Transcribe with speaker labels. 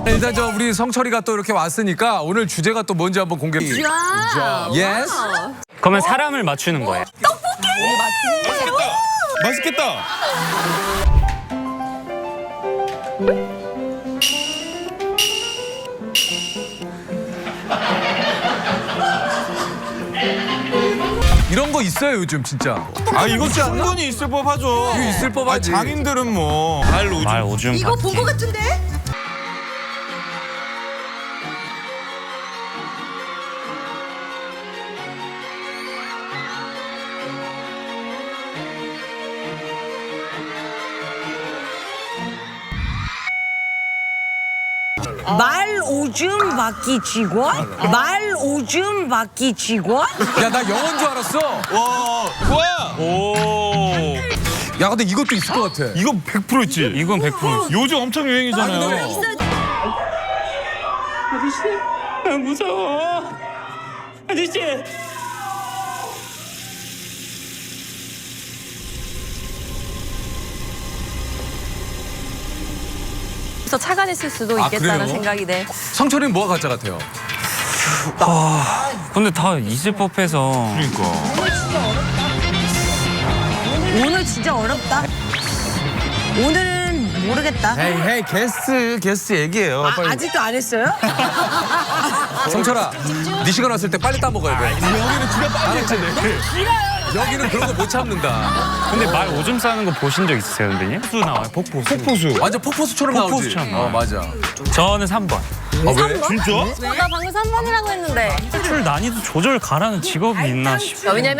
Speaker 1: 일단 저 우리 성철이가 또 이렇게 왔으니까 오늘 주제가 또 뭔지 한번 공개. 예스.
Speaker 2: 그러면 사람을 맞추는 거예요.
Speaker 3: 맛있겠다.
Speaker 1: 이런 거 있어요 요즘 진짜.
Speaker 3: 아 이거 충분히 있을 법하죠.
Speaker 1: 이거 있을 법하지.
Speaker 3: 장인들은 뭐 말 오줌.
Speaker 2: 말 오줌
Speaker 4: 이거
Speaker 2: 받기.
Speaker 4: 본 거 같은데?
Speaker 5: 말 오줌 받기 직원? 말 오줌 받기 직원?
Speaker 1: 야 나 영어인 줄 알았어.
Speaker 3: 와 뭐야? 오.
Speaker 1: 야 근데 이것도 있을 것 같아.
Speaker 3: 이거 100% 있지.
Speaker 2: 이건 100%.
Speaker 3: 요즘 엄청 유행이잖아요.
Speaker 2: 아저씨, 나 무서워. 아저씨.
Speaker 6: 그래서 착안했을 수도
Speaker 1: 아,
Speaker 6: 있겠다는
Speaker 1: 그래요?
Speaker 6: 생각이 네.
Speaker 1: 성철이는 뭐가 가짜 같아요?
Speaker 2: 근데 다 있을 법해서.
Speaker 3: 그러니까.
Speaker 5: 오늘 진짜 어렵다. 오늘은 모르겠다.
Speaker 3: 헤이 게스트 얘기해요.
Speaker 5: 아직도 안 했어요?
Speaker 1: 성철아, 네 시간 왔을 때 빨리 따먹어야 돼.
Speaker 3: 여기는 지가 빨리 했잖아요.
Speaker 1: 여기는 그런 거 못 참는다.
Speaker 2: 근데 말 오줌 싸는 거 보신 적 있으세요, 선배님? 폭포수 나와요, 폭포수.
Speaker 3: 폭포수.
Speaker 1: 완전 폭포수처럼 나오지.
Speaker 2: 폭포수처럼 나와요.
Speaker 1: 맞아.
Speaker 2: 저는 3번.
Speaker 1: 아 왜?
Speaker 3: 진짜?
Speaker 6: 나 방금 3번이라고 했는데.
Speaker 2: 출 난이도 조절 가라는 직업이 있나 싶어요.
Speaker 6: 왜냐면